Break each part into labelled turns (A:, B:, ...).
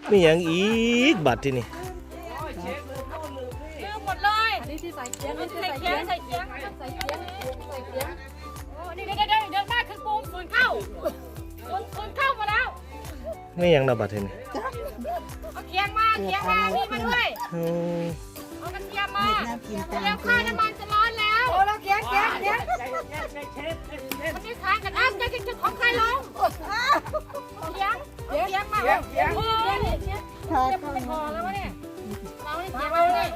A: มีอย่างอีกบัตรที่นี่
B: ลืมหมดเลยอันนี้ที่ใส่เกี๊ยงใส่เกี๊ยงใส่เกี๊ยงใส่เกี๊ยงใส่เกี๊ยงโอ้นี่เดินมาคือปูศูนย์เข้ามาแล้ว
A: มีอย่างนะบัตรที่นี่
B: เอาเกี๊ยงมานี่มาด้วยเอากระเทียมมาเดี๋ยวข้าวน้ำมันจะร้อนแล้วโอ้เราเกี๊ยงมันจะทานกันจะของใครลงเกี๊ยงมาโอ้ยจะไม่พอแล้ววะเนี่ยเราเนี่ยเกี๊ยงเราเนี่ย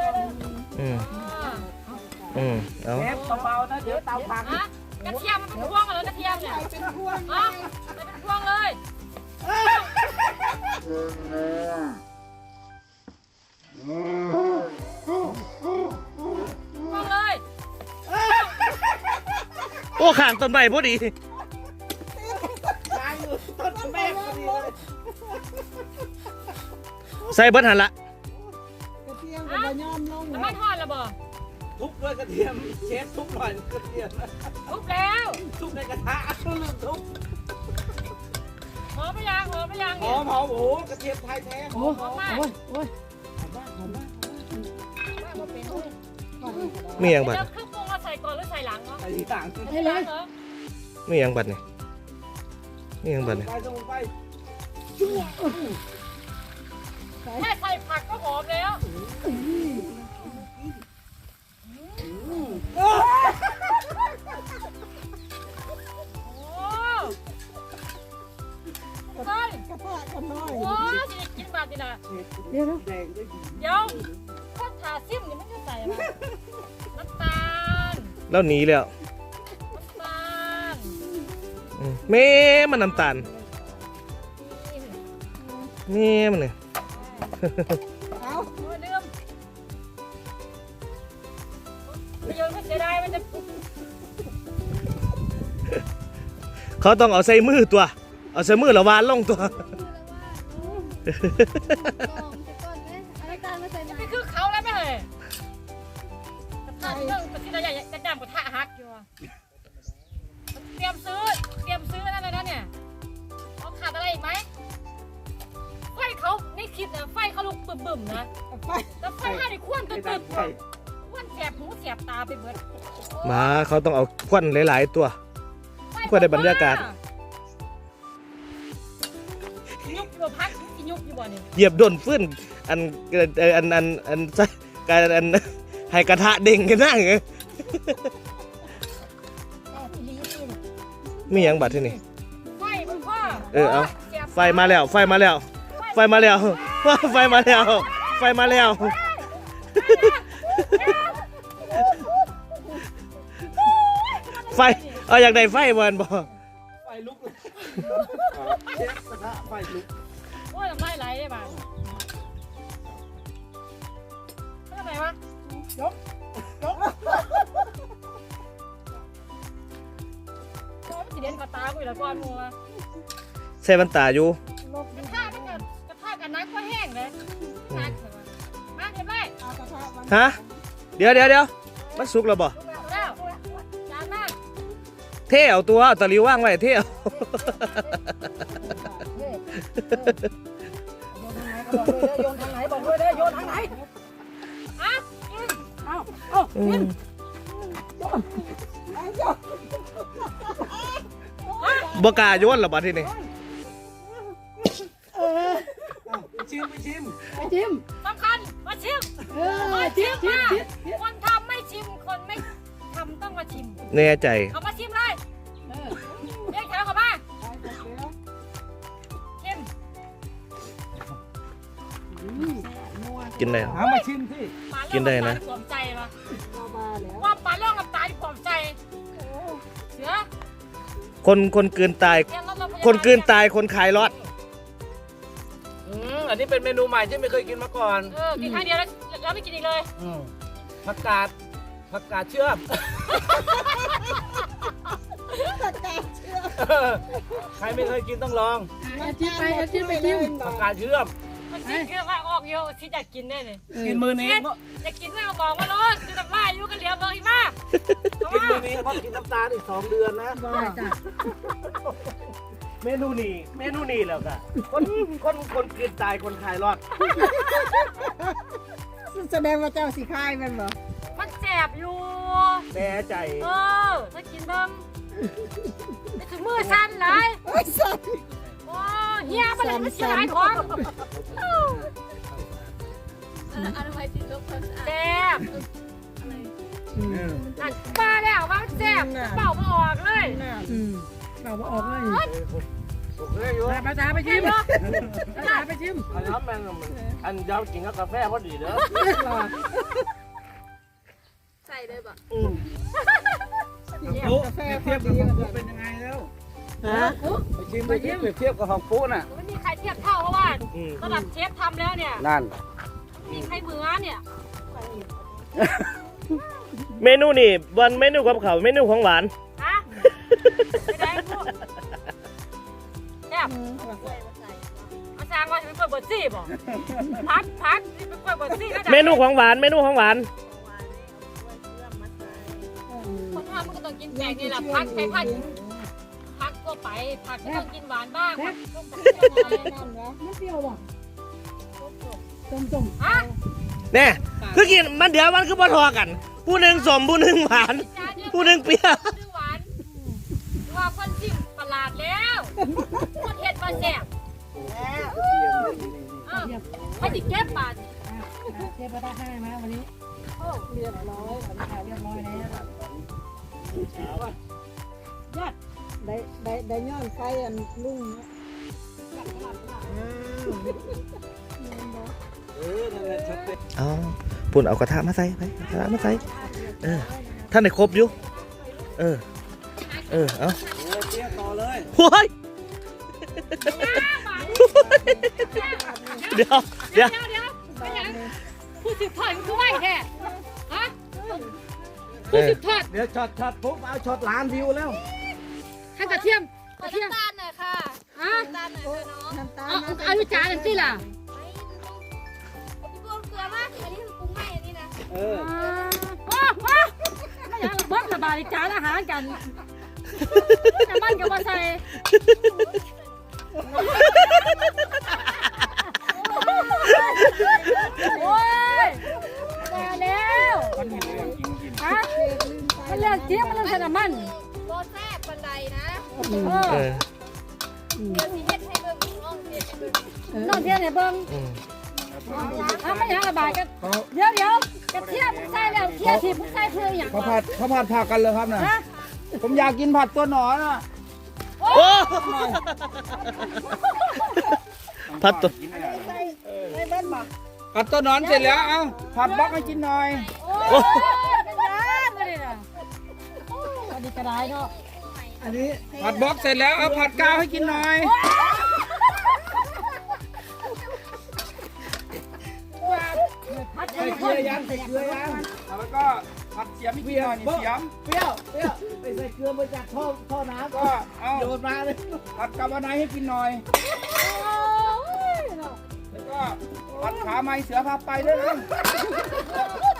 A: เอา
C: เบาๆนะเดี๋ยวเตาพัง
B: กระเทียมมันเป็นพวงเหรอกระเทียมเนี่ยเป็นพวงเลย
A: โอ้ข้างต้นไม้พอดี
C: ต้นแม่พอดีเลย
A: ใส่เบิดหันละ
D: กระเทียมกับย่อมลง
B: น้ำมันทอดแล้วบ่
C: ทุบด้วยกระเทียมเชฟทุบหน่อยกระเทียม
B: ทุบแล้ว
C: ทุบในกระทะลืมทุบ
B: หอมไม่ยัง
C: หอมโอ้โหกระเทียมไทยแท้
B: หอมมาก
A: มีอย่างบัตร
B: เครื่องปรุงเราใส่ก่อนหรือใส่หลังเนาะ
C: ใส่ทีต่าง
B: ใส่หลังเหรอ
A: มีอย่างบัตรนี่มีอย่างบัตรนี่
C: ไปส่งไป
B: แค่ใส่ผักก็หอมแล้ว
D: กระเพาะกันน้อย
B: โอ้ยกินแบบนี้นะ
D: เดี๋ยว
B: ข้าวขาซิ่มนี่ไม่ได้ใส่มาน้ำตาล
A: แล้วหนีแล้ว
B: น้ำตาล
A: แม่มันน้ำตาลแม่มันเลย
D: เอา
B: ลืมโยนไม่เสียดายมันจะ
A: เขาต้องเอาใส่มือตัวเอาใส่มือละวานลงตัว
B: นี่คือเขาแล้วไม่เลยกระทะเรื่องกระที่เราอยากจะดำกระทะฮักอยู่เตรียมซื้อนั่นเลยนะเนี่ยเขาขาดอะไรอีกไหมไฟเขาในคลิปเนี่ยไฟเขาลุกบึ่มๆนะแล้วไฟห้าในควนตึ๊ดควนแสบหูแสบตาไปเบิด
A: มาเขาต้องเอาควันหลายๆตัวเพื่อได้บรรยากาศ
B: ยุบอยู่พักยุบอยู่บ่เนี่ย
A: เหยียบโดนฟื้นอันให้กระทะเด้งกันนั่งมีอย่างบัตรที่นี่
B: ไฟมันพ่อ
A: เอาไฟมาแล้วไฟเอาอยากได้ไฟมันบ่
C: ไฟลุกเลยเชฟกระทะไฟลุก
B: โอ้ยทำไรไหลได้บ้างทำไมวะยกสีเด่นกระตากูอีกแล้วก้อนมัว
A: ใส่บันตาอยู่
B: กระทะกันนักก็แห้งเลยนักมาเดี๋ยวไป
A: ฮะเดี๋ยวมันสุกแล้วบ่เท่เอาตัวตะลิวว่างไว้เท่เอา
D: โยนทางไหนบอกด้วยเด้อโยนทางไหน
A: บกาโยนหรอบัดที่นี่
C: ชิม
B: สำคัญมาชิมคนทำไม่ชิมคนไม่ทำต้องมาชิม
A: แน่ใจ
B: เอามาชิมเลยเรียกแถวเข้ามาชิม
A: กินได้
C: มาชิมที่
A: กินได้นะ
B: ปลอมใจปะว่าปลาเรื่องกับตายปลอมใจเสือ
A: คนเกินตายคนขายรอด
C: อันนี้เป็นเมนูใหม่ที่ไม่เคยกินมาก่อน
B: กินครั้งเดียวแล้วไม่กินอีกเลย
C: ผักกาดเชื่อมใครไม่เคยกินต้องลอง
D: อาทิตย์ไปชิม
C: ผักกาดเชื่อม
B: มันชิมเยอะมากออกเยอะที่อยากกินได้เลย
C: กินมือนี้
B: อยากกินไม่เอาบอกว่าร้อนคือทำลายอยู่กันเหลียวบอกอีกมาก
C: กินมือนี้เพราะกินน้ำตาลอีก2 เดือนนะ
A: เมนูนี่แล้วก็คนกินตายคนขายรอด
D: แสดงว่าเจ้าสีคายมันบ่
B: มันแสบอยู่
A: แน่ใจ
B: ถ้ากินเบิ่งไปถึงมือสั่นหลาย
D: โอ้ยสัตว์
B: โอ้เฮียมันเลยมันเสียหายของแซ่บอันป้าแล้วว่าแซ่บเป่ามาออกเลย
D: เราบ่ออกเลย
C: ถูกเลยอยู่
D: ภาษาไปชิมภาษาไปชิม
A: อันนั้นอันยาวกินกับกาแฟพอดีเด้อ
B: ใส่เลยบ่
C: กาแฟเทียบกับของปุ๊เป็นยังไงแล้วไปชิมไปเทียบกับของปุ๊น่ะ
B: ไม่มีใครเทียบเท่าเพราะว่าระดับเชฟทำแล้วเนี่ย
C: นั่น
B: มีใครเหมือนเนี่ย
A: เมนูนี่วันเมนูกับเขาวเมนูของหวาน
B: ฮะไม่ได้พวกแซ่บอาจารย์ว่าจะเป็นกล้วยบดซี่บ่พักนี่เป็นกล้วยบดซี่นะ
A: เมนูของหวาน
B: คนทำมันก็ต้องกินแปลกนี่แหละพักใช้พักก็ไปผักก็ต้องกินหวานบ้างผักต้องกินอะไร
D: มันเปรี้ยวบ่ต้ม
B: ฮะ
A: แน่คือกินมันเดี๋ยวมันคือบ่ทอกัน ผู้หนึ่งสมผู้หนึ่งหวาน ผู้หนึ่งเปรี้ยว
B: ชื่อหวานว่าคนชิมประหลาดแล้วคนเห็ดมาแซ่บให้ติเก็บบาท
D: เทียบได้ให้มาวันนี้เรียบร้อยเรียบร้อยแล้วยัดได้ย้อนไฟอันลุง
C: นั่นแหละชัดเจน
A: เอาปุ่นเอากระทะมาใส่ไปกระทะมาใส่ท่านได้ครบอยู่เอา
C: เทียบต่อเลย
A: โอ้ยเดี๋ยว
B: ผู้สืบทอดมันคือไหวแท้ฮะผู้สืบทอด
C: เดี๋ยวช็อตปุ๊บเอาช็อตล้านวิวแล้ว
B: ให้กระเทียม
E: น้ำตาลหน่อยค่ะ
B: ฮะ
E: น้ำตาลหน่อยค่ะน้อง
D: น้ำตาล
B: เอาลูกจานนั่นสิล่ะ
E: พี่โบนเกลือมากอันนี้คือปรุงไม่อันนี้นะ
B: ว้าไม่อยากเบิ้งระบาดจานอาหารกันน้ำมันกับมาใส่โอ้ยมาแล้ว
C: มันเห็นเรื่องจริง
B: ฮะมันเลือกเทียมมันเลือกใส่น้ำมัน
E: โบแซ่บบันไดนะ
B: เออ
E: เดี๋ยวสีเฮ็ดให้เบิ่งน้องเฮ็ดให้เบิ่ง
B: นอนเทียมไหนเบิ้งไม่อยากระบาดกันเดี๋ยวกระเทียมใส่แล้วเทียมที่ใส่เพื่ออย่าง
C: ข้าวผัดผักกันเลยครับน่ะ
B: ฮะ
C: ผมอยากกินผัดตัวหนอนอ่ะ
A: โอ้พัดตัว
C: ผัดตัวหนอนเสร็จแล้วเอาผัดบล็อกให้กินหน่อย
B: โอ้ยเป็นยังไงเนี่ยอันนี้กระไรเนาะ
D: อันนี้
C: ผัดบล็อกเสร็จแล้วเอาผัดกาวให้กินหน่อย
B: พัด
C: ใส่เกลือยังแล้วก็ผัดเสียมให้กินหน่อยนี่เสียม
A: เปรี้ยวไปใส่เกลือมาจากท่อน้ำ
C: ก็เอา
A: โยนมาเลย
C: ผัดกาบานายให้กินหน่อย แล้วก็ผัดขาไม้เสือพาไปด้วยนะ